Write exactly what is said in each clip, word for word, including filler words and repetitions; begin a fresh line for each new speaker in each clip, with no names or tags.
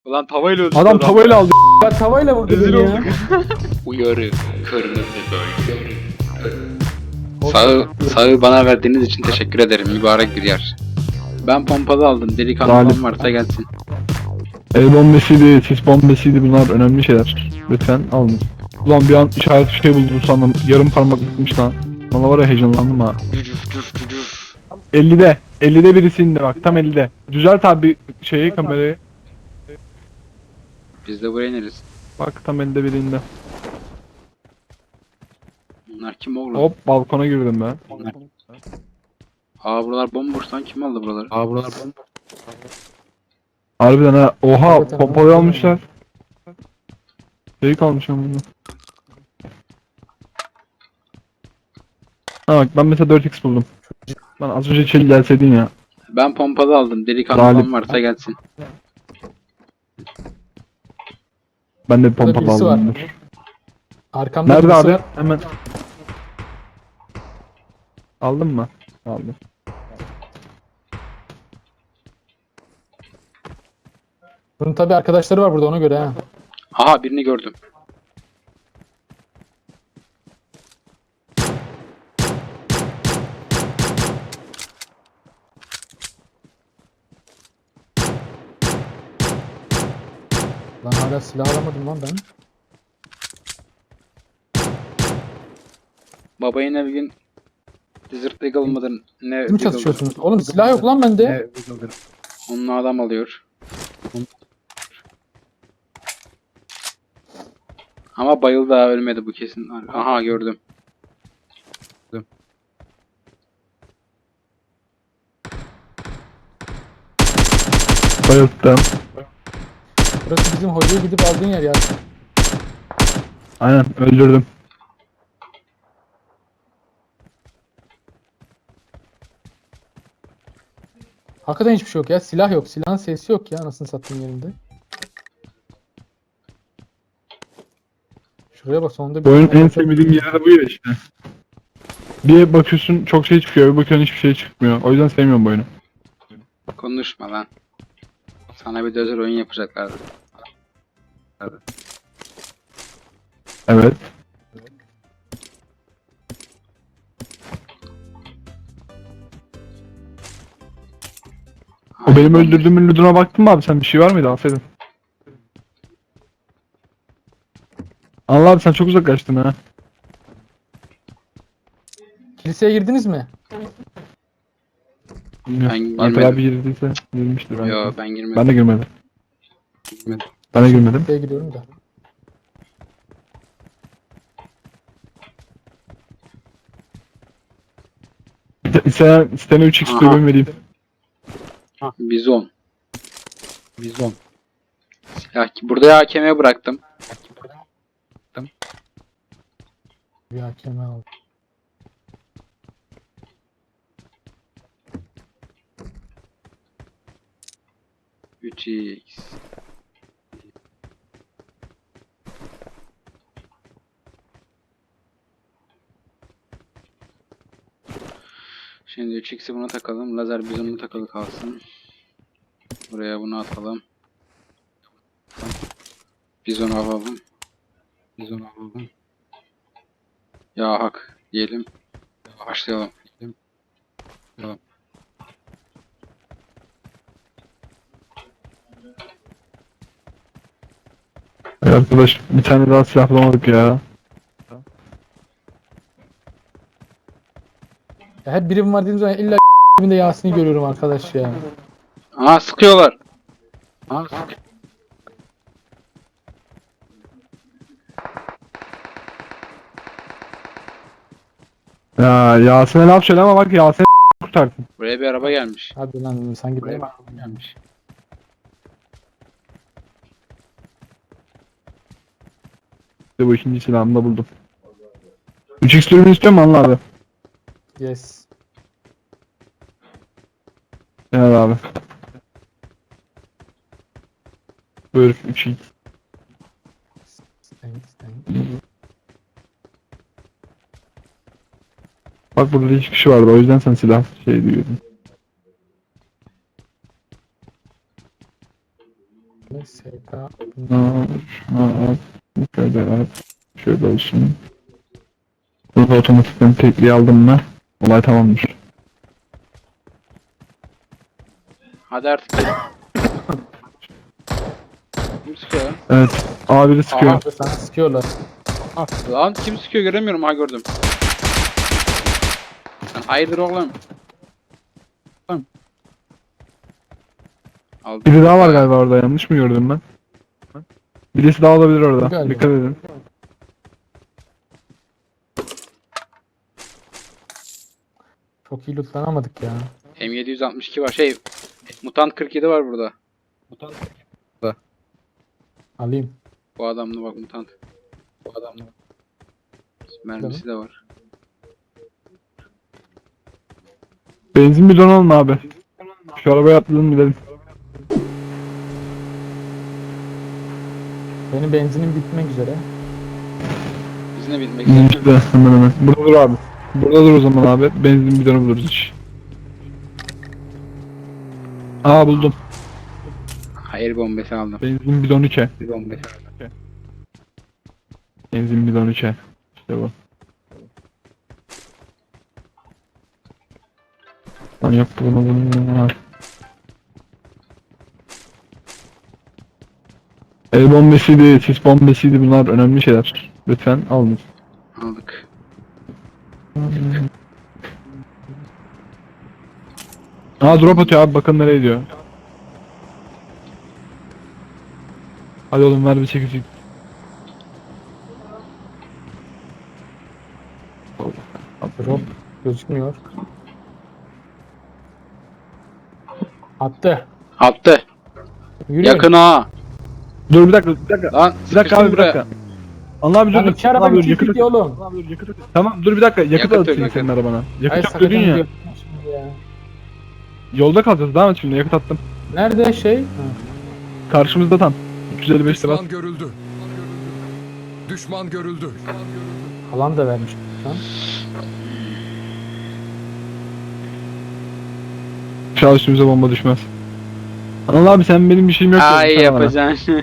Ulan tavayla öldürdü
Adam tavayla aldı. Ben tavayla vurdum
Rezil
ya.
olduk. Uyarı. Kırmızı bölge. Sağı, sağı bana verdiğiniz için teşekkür ederim. Mübarek bir yer. Ben pompalı aldım. Delikanlı
Galip.
olan varsa gelsin.
El bombasıydı, sis bombasıydı, bunlar önemli şeyler. Lütfen alın. Ulan bir an işaret bir şey buldum sandım. Yarım parmak gitmiş lan. Valla var ya heyecanlandım ha.
Cücüf cüf cücüf.
ellide. ellide birisi indi bak, tam ellide. Düzelt abi şeyi, kamerayı.
Biz de buraya ineriz.
Bak tam ellide biri indi.
Bunlar kim oğlum?
Hop, balkona girdim ben.
Bunlar. Aa buralar bomboş lan, kim aldı buraları? Aa buralar bomboş.
Harbiden ha. Oha,
Evet, evet,
pompalı
evet.
almışlar. Şeyi kalmış ama bunu. Ha bak, ben mesela dört x buldum. Lan az önce içeri gelseydin ya.
Ben pompalı aldım. Delikanlı
Galip.
olan varsa gelsin.
Ben de bir
Burada
pompalı
birisi var.
aldım. Dur.
Arkamda
Nerede
birisi
abi?
var.
Hemen. Aldın mı? Aldım.
Bunun tabi arkadaşları var burada, ona göre ha.
Aha birini gördüm.
Lan hala silah alamadım lan ben.
Baba yine bir gün Desert Eagle mıdır? Ne
Siz mi çatışıyorsunuz? Oğlum silah yok lan bende.
Onunla adam alıyor. Ama bayıldı ha, ölmedi bu kesin. Aha gördüm.
Bayılttım.
Burası bizim hocaya gidip aldığın yer ya.
Aynen, öldürdüm.
Hakikaten hiçbir şey yok ya. Silah yok. Silahın sesi yok ya, anasını sattığın yerinde. Şuraya bak, sonunda
Bu oyunun en
bir
sevmediğim yeri de bu ya işte. Bir bakıyorsun çok şey çıkıyor, bir bakıyorsun hiçbir şey çıkmıyor. O yüzden sevmiyorum bu oyunu.
Konuşma lan. Sana bir de özel oyun yapacaklardı.
Evet. O benim öldürdüğümün lootuna baktın mı abi, sen bir şey var mıydı? Aferin. Allah abi, sen çok uzaklaştın ha.
kiliseye girdiniz mi?
Bilmiyorum.
girmedim.
Alper abi girdiyse girmiştir. Ben,
Yo ben girmedim.
ben de girmedim. Ben de girmedim.
Kiliseye gidiyorum da.
Sen, sen üç x
Aha.
dürbün vereyim.
Bizon. Bizon. Ya burada A K M bıraktım.
Bir hakeme aldım.
üç x. Şimdi üç x'i buna takalım. Lazer bizonuna takılı kalsın. Buraya bunu atalım. Bizon alalım. Bizon alalım. Ya hak diyelim. Başlayalım. Tamam.
Ay arkadaş, bir tane daha silah bulamadık ya.
Ya hep birim var dediğim zaman illa dibinde Yasin'i görüyorum arkadaş ya.
Aa sıkıyorlar. Aa
Ya Yasin'e laf söyle ama bak, Yasin'i kurtarsın.
buraya bir araba gelmiş.
Hadi lan, sanki
Buraya
benim.
bir araba gelmiş.
İşte bu ikinci silahımı da buldum. üç x dürbün istiyor mu Anıl abi?
Yes.
Evet abi. Buyur üç x.
Thanks, thanks.
Bak burada hiç kişi vardı, o yüzden sen silah şey diyordun.
Neyse. K.
Aa, aa, şöyle at. Şöyle olsun. Burada otomatikten tekliği aldım mı? Olay tamamdır.
Hadi artık. Kim sıkıyor lan?
Evet. A biri sıkıyor.
Aha.
Sana sıkıyorlar.
Lan kim sıkıyor göremiyorum, ha gördüm. Sen hayırdır oğlum? Oğlum. Aldım.
Biri daha var galiba orada, yanlış mı gördüm ben? Birisi daha olabilir orada.
Galiba.
Dikkat edin.
Çok iyi lootlanamadık ya.
M yedi altmış iki var. Şey, Mutant kırk yedi var burada.
Alayım.
Bu adamlı bak, Mutant. Bu adamlı. Mermisi de var.
Benzin bidonu alın abi. Şu arabaya atlayalım gidelim.
Benim benzinim bitmek üzere.
Biz ne bitmek üzere.
İşte hemen hemen. Burada dur abi. Burada dur o zaman abi. Benzin bidonu buluruz hiç. Aa buldum.
Hayır bombası aldım.
Benzin bidonu ke.
Bir bombası aldım.
Benzin bidonu ke. İşte bu. Lan yok bunu bunu bunu. El bombasıydı, sis bombasıydı, bunlar önemli şeyler. Lütfen alın.
Aldık.
Aa drop atıyor abi, bakın nereye gidiyor. Hadi oğlum ver bir çekici.
Drop gözükmüyor. Attı.
Attı.
Yürü.
Yakın ha.
Dur bir dakika, bir dakika.
Lan
Bir dakika abi, bir
buraya.
dakika. Allah abi dur.
Lan
dur.
iki araba
Allah abi, dur,
bitirdik
yakıt-
ya oğlum.
Tamam dur bir dakika, yakıt
Yakıt yok,
atayım
yakıt.
senin arabana.
Ay
Yakıt yok
sakın
dedin ya.
diyor şimdi ya.
Yolda kalacağız, devam et şimdi, yakıt attım.
Nerede şey? Ha.
Karşımızda tam. üç yüz elli beş lira.
Düşman görüldü. Düşman görüldü.
Alan da vermiş. Lan.
İnşallah üstümüze bomba düşmez. Allah abi sen benim bir şeyim yok.
Ay
dedin, sen bana.
yapacaksın.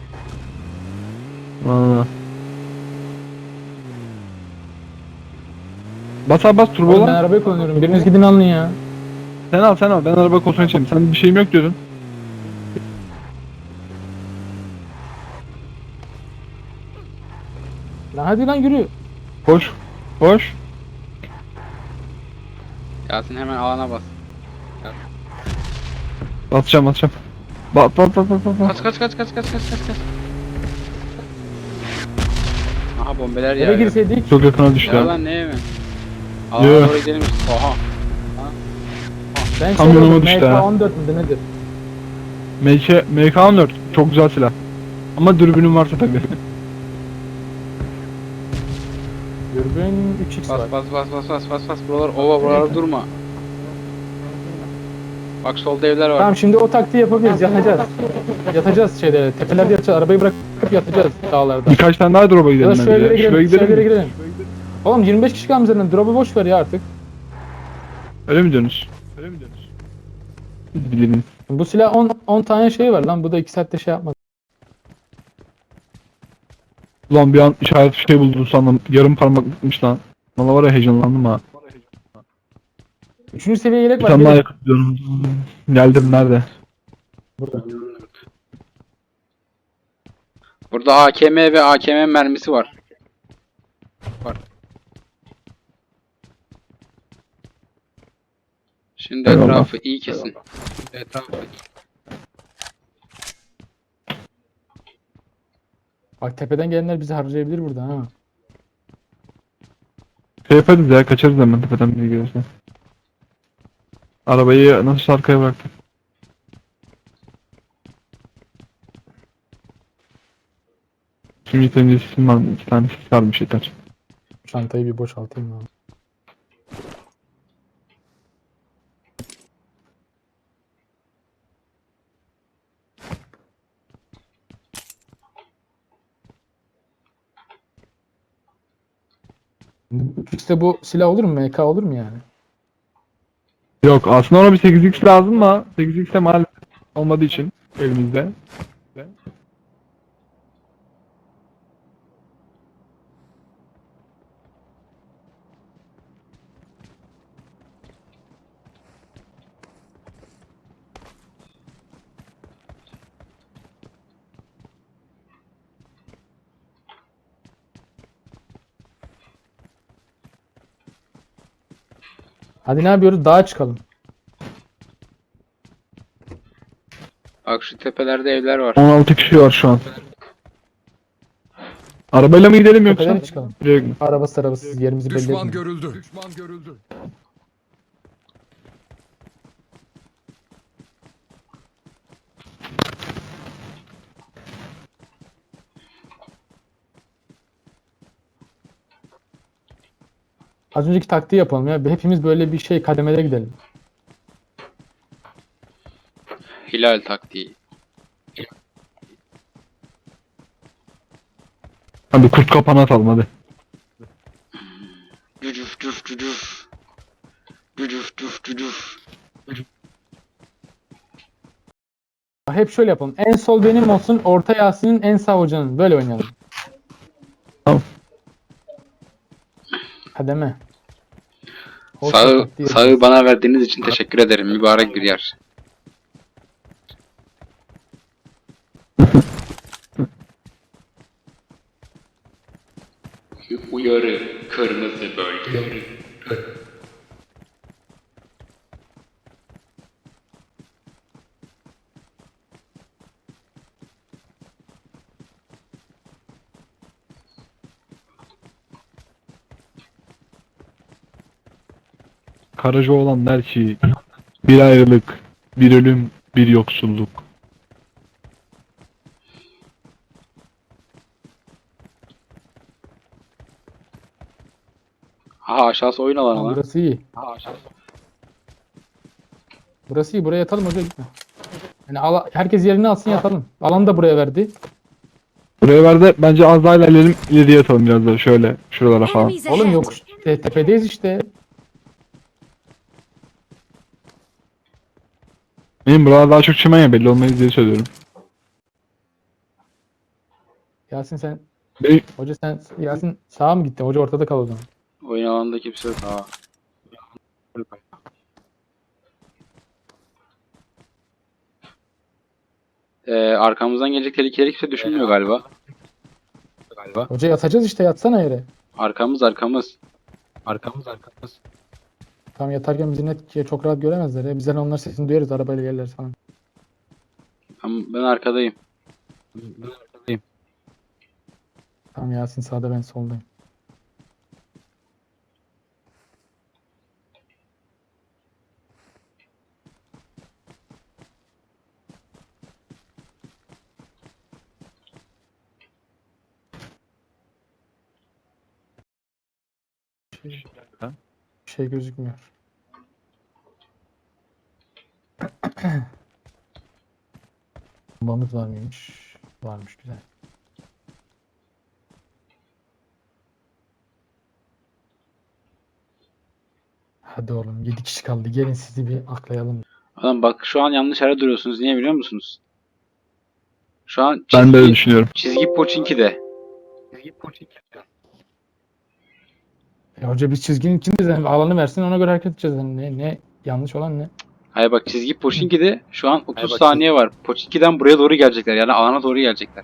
Valla. Bas abi bas turbo
Oğlum ben
lan.
arabayı kullanıyorum. Biriniz gidin alın ya.
Sen al sen al, ben araba koltuğuna çekeyim. Sen bir şeyim yok diyordun.
Lan hadi lan yürü.
Koş. Koş.
Yasin hemen alana bas.
Atacağım atacağım. Bat bat bat bat bat.
Kaç kaç kaç kaç kaç kaç kaç kaç. Aha bombeler
Eve
ya.
girseydik.
Çok yakına düştü.
Ya
ya.
lan ne mi? Alana
Yo.
doğru gidelim işte. Oha.
Ben
Kamyonuma
şey oldum,
düştü
M K
ha.
on dört müdür nedir?
M K M K on dört çok güzel silah. Ama dürbünün varsa tabii.
Dürbün üç x
Bas
var.
bas bas bas bas bas bas. Buralar ova, buralar durma. Bak solda evler var.
Tamam şimdi o taktiği yapabiliriz. Yatacağız. Yatacağız şeyde. Tepelerde yatacağız. Arabayı bırakıp yatacağız dağlarda.
Birkaç tane daha drop'a
Ya
gidelim
da şu
bence.
evlere
ya.
girelim.
Şuraya
Şu evlere
gidelim mi?
girelim. Oğlum yirmi beş kişi kalmış zaten. Drop'u boş ver ya artık.
Öyle mi diyorsunuz? Öyle mi diyorsunuz? Biz bilelim.
Bu silah on on tane şey var lan. Bu da iki saatte şey yapmaz.
Ulan bir an işaret bir şey buldum sandım. Yarım parmaklıkmış lan. Valla var ya, heyecanlandım ha.
Üçüncü seviye yelek
Bir
var.
tane daha
Gelin.
yakıt diyorum. Geldim, nerede?
Burada.
Burada A K M ve A K M mermisi var. Var. Şimdi
Eyvallah.
etrafı iyi kesin. Etrafı
Bak tepeden gelenler bizi harcayabilir burada ha.
Şey yaparız ya, kaçarız hemen tepeden biri gelirse. Arabayı nasıl arkaya bıraktık? Şimdi senin sesin var mı? İki tane ses varmış yeter.
Çantayı bir boşaltayım abi. İşte bu silah olur mu? M K olur mu yani?
Yok aslında ona bir sekiz x lazım ama sekiz x'e maalesef olmadığı için elimizde.
Hadi ne yapıyoruz? Dağa çıkalım.
Bak şu tepelerde evler var.
on altı kişi var şu an. Arabayla mı gidelim yoksa?
Tepelere çıkalım.
Direkt mi?
Arabasız arabasız yerimizi belli
Düşman
etmeyin.
görüldü. Düşman görüldü.
Az önceki taktiği yapalım ya. Hepimiz böyle bir şey kademede gidelim.
Hilal taktiği.
Hadi kurt kapanı atalım hadi.
Cücüf cüf cücüf. Cücüf cüf cücüf.
Hep şöyle yapalım. En sol benim olsun, orta Yasin'in, en sağ hocanın. Böyle oynayalım.
Tamam.
Kademe. Hoş
Sağı,
taktiği
sağı
yapıyoruz.
bana verdiğiniz için teşekkür ederim. Mübarek bir yer. Uyarı, kırmızı bölge.
Karacaoğlan der ki bir ayrılık, bir ölüm, bir yoksulluk.
Ha aşağısı oyun alanı
Tamam,
lan.
burası iyi.
Ha aşağısı.
Burası iyi. Buraya yatalım hoca, gitme. Yani ala- herkes yerini alsın, yatalım. Alanı da buraya verdi.
Buraya ver de bence az daha ilerleyelim, ileriye atalım biraz da şöyle şuralara falan.
Enemies
Oğlum
ahead.
yok. Te- tepedeyiz işte.
Benim buralar daha çok çimen ya belli olmayız diye söylüyorum.
Yasin sen,
Benim,
hoca sen, Yasin sağa mı gitti? Hoca ortada kal o zaman.
Oyun alanında kimse yok. Ha. Ee, arkamızdan gelecek tehlikeleri kimse düşünmüyor galiba. Galiba.
Hoca yatacağız işte, yatsana yere.
Arkamız arkamız. Arkamız arkamız.
Tam yatarken bizi net çok rahat göremezler ya. Bizden onlar sesini duyarız, arabayla gelirler falan.
Ben, ben arkadayım. Ben arkadayım.
Tamam, Yasin sağda, ben soldayım. Bir şey gözükmüyor. Bombamız var mıymış? Varmış, güzel. Hadi oğlum, yedi kişi kaldı. Gelin sizi bir aklayalım.
Adam bak şu an yanlış yerde duruyorsunuz. Niye biliyor musunuz? Şu an
ben de öyle
çizgi,
düşünüyorum.
çizgi Pochinki'de.
E hoca biz çizginin içindeyiz. Yani alanı versin, ona göre hareket edeceğiz. Yani ne, ne yanlış olan ne?
Hayır bak çizgi Pochinki'de şu an otuz saniye var. Pochinki'den buraya doğru gelecekler. Yani alana doğru gelecekler.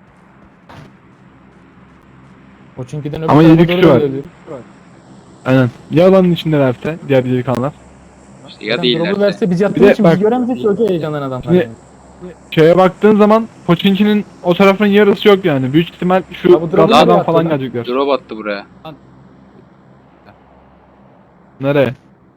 O çünküden öbür
Ama
tarafa
yedi kişi
doğru
var.
geliyor.
Aynen. Ya alanın içindelerse diğer delikanlılar.
İşte ya
Adam drop'u
değillerse.
verse biz
Bir
yattığımız
de
için
bak-
bizi göremeyecek ki hoca, heyecandan adamlar.
Şimdi-
yani.
Şeye baktığın zaman Pochinki'nin o tarafın yarısı yok yani. Büyük ihtimal şu
Ya bu drop'u
Gadda'dan
nereye
falan
attı lan?
gelecekler.
Drop attı buraya.
Nereye?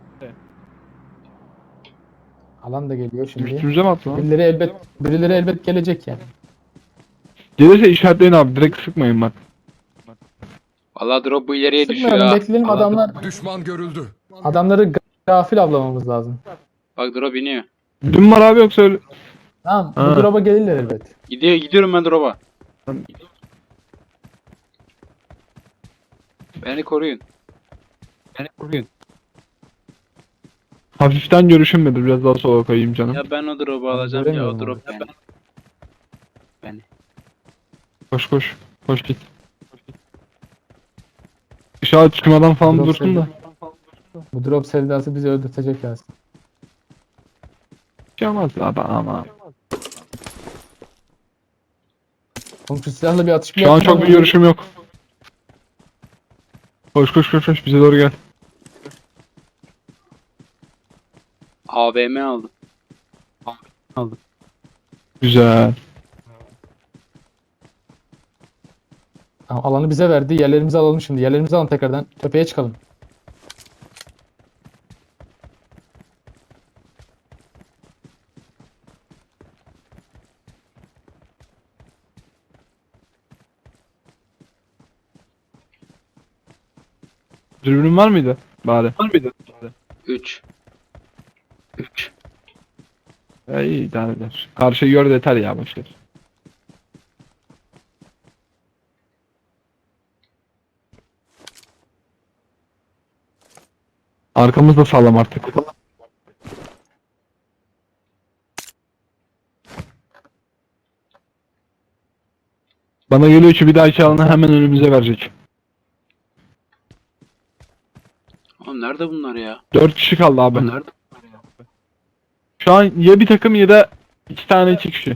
Alan da geliyor şimdi.
Üstümüze mi attı lan?
Birileri elbet birileri elbet gelecek yani.
Gelirse işaretleyin abi. Direkt sıkmayın bak.
Vallahi drop bu ileriye düşüyor
Sıkmayalım,
ha.
bekleyelim, adamlar
Düşman görüldü.
adamları ga- gafil avlamamız lazım.
Bak drop iniyor.
Dün var abi yoksa öyle.
Tamam,
Ha.
bu drop'a gelirler elbet.
Gidiyor gidiyorum ben drop'a. Beni koruyun. Beni koruyun.
Hafiften görüşünmedi. Biraz daha sola kayayım canım.
Ya ben o drop'u
Ben
alacağım ya o
göremiyorum
drop
onu.
beni. Beni.
Koş koş. Koş git. İşaret çıkmadan falan
Drop
dursun da.
Bu drop sevdası bizi öldürtecek Yasin.
Hiç olmaz abi ama.
Oğlum şu silahla bir atış bile
Şu an
yapmadan
çok bir görüşüm yok. Koş koş koş koş bize doğru gel.
A V M aldım. Aldım.
Güzel.
Tamam, alanı bize verdi. Yerlerimizi alalım şimdi. Yerlerimizi alalım tekrardan. Tepeye çıkalım.
Dürbünün var mıydı? Bari. Var mıydı?
üç. üç.
Ya iyi idare eder. Karşıyı gör de yeter ya boşver. Arkamız da sağlam artık. Bana geliyor ki bir dahaki alanı hemen önümüze verecek.
Oğlum nerede bunlar ya?
Dört kişi kaldı abi.
Nerede?
Şu an ya bir takım ya da iki tane iki kişi.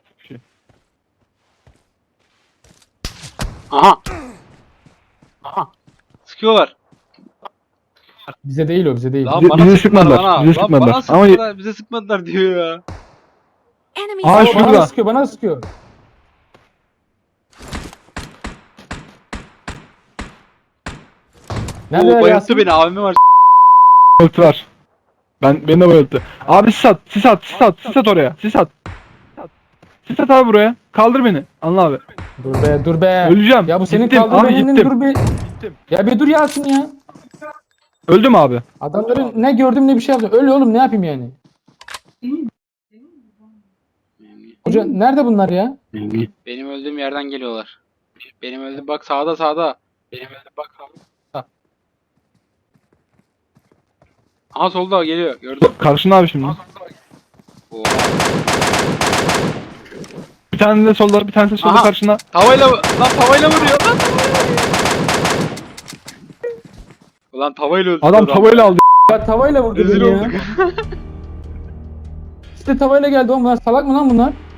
Aha. Aha. Sıkıyorlar.
Bize değil o, bize değil.
Lan
Bize-
bana
bize
sıkmadılar
sıkmadılar,
bana.
bize
Lan
sıkmadılar.
bana
Ama-
sıkmadılar. Bize sıkmadılar diyor ya.
Enemies
Aa,
Aa,
şurada.
bana sıkıyor, bana sıkıyor. Nerede
Oo,
ya
bayılttı
Yasin?
beni. A V M var.
Bayılttı var. Ben beni de bayılttı. Abi sis at, sis at, sis at, sis at oraya. Sis at. Sis at abi buraya. Kaldır beni. Anla abi.
Dur be, dur be.
Öleceğim.
Ya bu senin
Gittim,
kaldır
abi
benim
gittim.
dur bir. Ya bir dur Yasin ya.
Öldüm abi.
Adamların ne gördüm ne bir şey yaptım. Öl oğlum, ne yapayım yani? Hoca nerede bunlar ya?
Benim öldüğüm yerden geliyorlar. Benim öldüğüm bak sağda sağda. Benim öldüğüm bak sağda. Aha solda geliyor. Gördüm.
Karşında abi şimdi.
Oo.
Bir tane de solda, bir tane de solda
Aha.
karşında.
Tavayla lan tavayla vuruyor lan. Ulan tavayla öldürdü
Adam tavayla aldı.
Ya tavayla vurdu
Rezil
beni ya.
olduk.
İşte tavayla geldi oğlum. Bunlar salak mı lan bunlar?